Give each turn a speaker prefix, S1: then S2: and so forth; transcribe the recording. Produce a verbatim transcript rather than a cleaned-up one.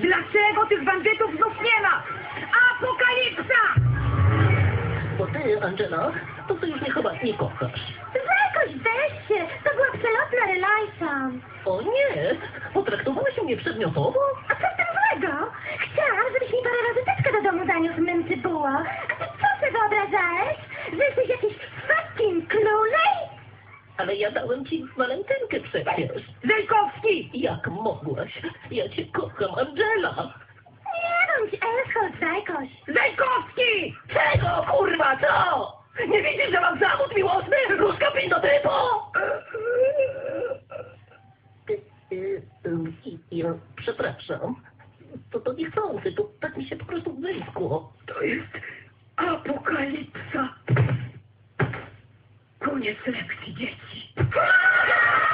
S1: Dlaczego tych bandytów znów nie ma? Apokalipsa!
S2: Bo ty, Angela, to ty już mnie chyba nie kochasz.
S3: Jakoś weź się, to była przelotna relajsa.
S2: O nie, potraktowałeś mnie przedmiotowo?
S3: A co w tym złego? Chciałam, żebyś mi parę razy teczkę do domu zaniósł, mym tybuło. A ty co sobie wyobrażałeś? Że jesteś jakiś fucking klulej?
S2: Ale ja dałem ci walentynkę przecież.
S1: Zajkowski!
S2: Jak mogłaś? Ja cię kocham, Angela.
S3: Nie bądź Elschot, zajkoś.
S1: Zajkowski!
S2: Czego, kurwa, co? Nie widzisz, że mam zawód miłosny? Ruska pindotypo! Ja przepraszam. To, to niechcący, to tak mi się po prostu wyskło.
S1: To jest apokalipsa. Koniec lekcji, dzieci.